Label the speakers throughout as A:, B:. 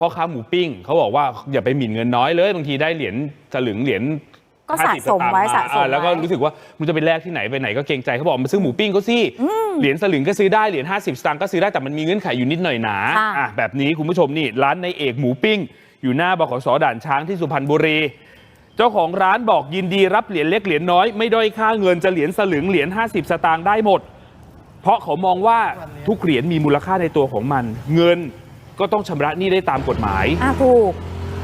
A: พ่อค้าหมูปิ้งเขาบอกว่าอย่าไปหมิ่นเงินน้อยเลยบางทีได้เหรียญสลึงเหรียญ
B: ก็สะสมไว้
A: แล้วก็รู้สึกว่ามึงจะไปแลกที่ไหนไปไหนก็เกรงใจเขาบอกมาซื้อหมูปิ้งก็สิเหรียญสลึงก็ซื้อได้เหรียญ50 สตางค์ก็ซื้อได้แต่มันมีเงื่อนไขอยู่นิดหน่อยหนาแบบนี้คุณผู้ชมนี่ร้านในเอกหมูปิ้งอยู่หน้าบขส.ด่านช้างที่สุพรรณบุรีเจ้าของร้านบอกยินดีรับเหรียญเล็กเหรียญน้อยไม่ด้อยค่าเงินจะเหรียญสลึงเหรียญ50 สตางค์ได้หมดเพราะเขามองว่าทุกเหรียญมีมูลค่าในตัวของมันเงินก็ต้องชำระหนี้ได้ตามกฎหมาย
B: ถูก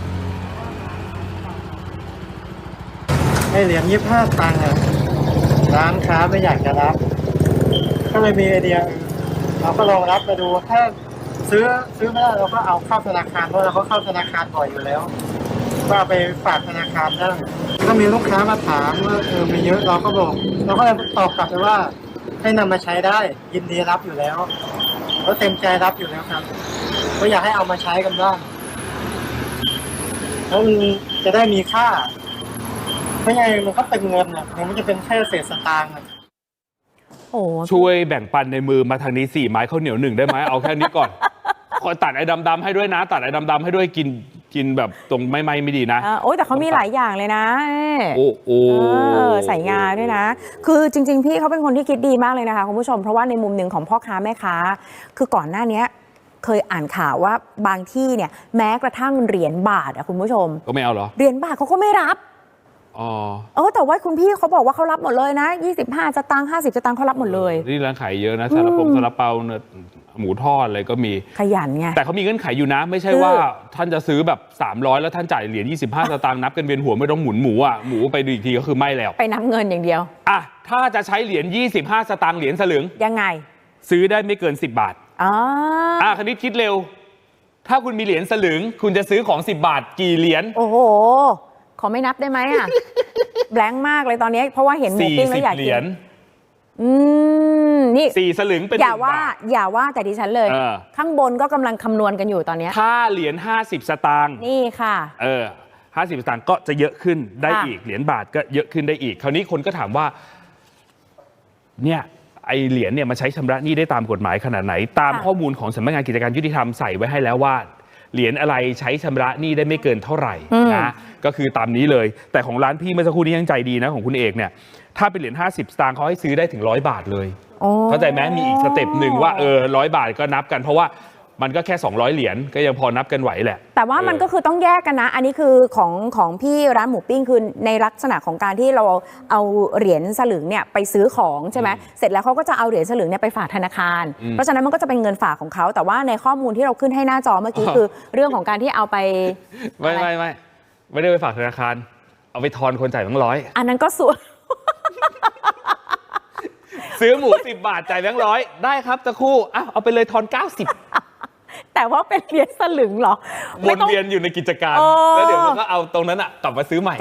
C: ให้เหรียญ25 ตังค์ร้านค้าไม่อยากจะรับก็เลยมีไอเดียเราก็ลองรับมาดูถ้าซื้อไม่ได้เราก็เอาเข้าธนาคารเพราะเราก็เข้าธนาคารบ่อยอยู่แล้วก็เอาไปฝากธนาคารได้ก็มีลูกค้ามาถามว่ามีเยอะเราก็บอกเราก็เลยตอบกลับไปว่าให้นำมาใช้ได้ยินดีรับอยู่แล้วก็เต็มใจรับอยู่แล้วครับก็อยากให้เอามาใช้กันบ้างแล้วมันจะได้มีค่าไม่ใช่มันก็เป็นเงินมันไม่จะเป็นแค่เศษสตางค์
A: ช่วยแบ่งปันในมือมาทางนี้4 ไม้ข้าวเหนียว 1ได้ไหมเอาแค่นี้ก่อนขอตัดไอ้ดำๆให้ด้วยนะตัดไอ้ดำๆให้ด้วยกินแบบตรงไม่ดีนะ
B: โอ้ยแต่เขามีหลายอย่างเลยนะ
A: โอ้
B: ใส่งาด้วยนะคือจริงๆพี่เขาเป็นคนที่คิดดีมากเลยนะคะคุณผู้ชมเพราะว่าในมุมหนึ่งของพ่อค้าแม่ค้าคือก่อนหน้านี้เคยอ่านข่าวว่าบางที่เนี่ยแม้กระทั่งเหรียญบาทคุณผู้ชม
A: ก็ไม่เอาเหรอ
B: เหรียญบาทเขาก็ไม่รับแต่ว่าคุณพี่เขาบอกว่าเขารับหมดเลยนะ25 สตางค์50 สตางค์เขารับหมดเลย
A: นี่ร้านขายเยอะนะซาลาเปาหมูทอดอะไรก็มี
B: ขยันไง
A: แต่เขามีเงื่อนไขอยู่นะไม่ใช่ว่าท่านจะซื้อแบบ300แล้วท่านจ่ายเหรียญ25 สตางค์นับกันเวียนหัวไม่ต้องหมุนหมูไปดูอีกทีก็คือไม่แล้ว
B: ไปนับเงินอย่างเดียว
A: ถ้าจะใช้เหรียญ25 สตางค์เหรียญสลึง
B: ยังไง
A: ซื้อได้ไม่เกิน10 บาทคณิตคิดเร็วถ้าคุณมีเหรียญสลึงคุณจะซื้อของ10 บาทกี่เหรียญ
B: โอ้โหขอไม่นับได้ไหมแบงค์มากเลยตอนนี้เพราะว่าเห็นหมูปิ้งแล้วอยากกิน
A: นี่4 สลึงเป็น
B: อย่าว่าแต่ดิฉันเลยข้างบนก็กำลังคำนวณกันอยู่ตอนนี้
A: ถ้าเหรียญ50 สตางค์
B: นี่ค่ะ
A: 50 สตางค์ก็จะเยอะขึ้นได้อีกเหรียญบาทก็เยอะขึ้นได้อีกคราวนี้คนก็ถามว่าเนี่ยไอเหรียญเนี่ยมาใช้ชำระหนี้ได้ตามกฎหมายขนาดไหนตามข้อมูลของสำนักงานกิจการยุติธรรมใส่ไว้ให้แล้วว่าเหรียญอะไรใช้ชำระหนี้ได้ไม่เกินเท่าไหร่นะก็คือตามนี้เลยแต่ของร้านพี่เมื่อสักครู่นี้ยังใจดีนะของคุณเอกเนี่ยถ้าเป็นเหรียญ50 สตางค์เขาให้ซื้อได้ถึง100 บาทเลยเข้าใจไหมมีอีกสเต็ปหนึ่งว่า100 บาทก็นับกันเพราะว่ามันก็แค่200 เหรียญก็ยังพอนับกันไหวแหละ
B: แต่ว่ามันก็คือต้องแยกกันนะอันนี้คือของพี่ร้านหมูปิ้งคือในลักษณะของการที่เราเอาเหรียญสลึงเนี่ยไปซื้อของใช่ไหมเสร็จแล้วเขาก็จะเอาเหรียญสลึงเนี่ยไปฝากธนาคารเพราะฉะนั้นมันก็จะเป็นเงินฝากของเขาแต่ว่าในข้อมูลที่เราขึ้นให้หน้าจอเมื่อกี้คือเรื่องของการที่เอาไป
A: ไม่ได้ไปฝากธนาคารเอาไปทอนคนจ่ายแบงค์100
B: อันนั้นก็ส่วน
A: ซื้อหมู10 บาทจ่ายแบงค์100ได้ครับตะคู่เอาไปเลยทอน90
B: แต่ว่าเป็นเหรียญสลึงเหรอ
A: วนเวียนอยู่ในกิจการแล้วเดี๋ยวมันก็เอาตรงนั้นกลับมาซื้อใหม่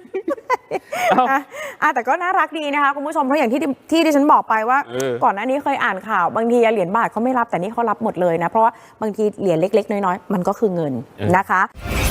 B: แต่ก็น่ารักดีนะคะคุณผู้ชมเพราะอย่างที่ดิฉันบอกไปว่าก่อนหน้านี้เคยอ่านข่าวบางทีเหรียญบาทเขาไม่รับแต่นี่เขารับหมดเลยนะเพราะว่าบางทีเหรียญเล็กๆน้อยๆมันก็คือเงินนะคะ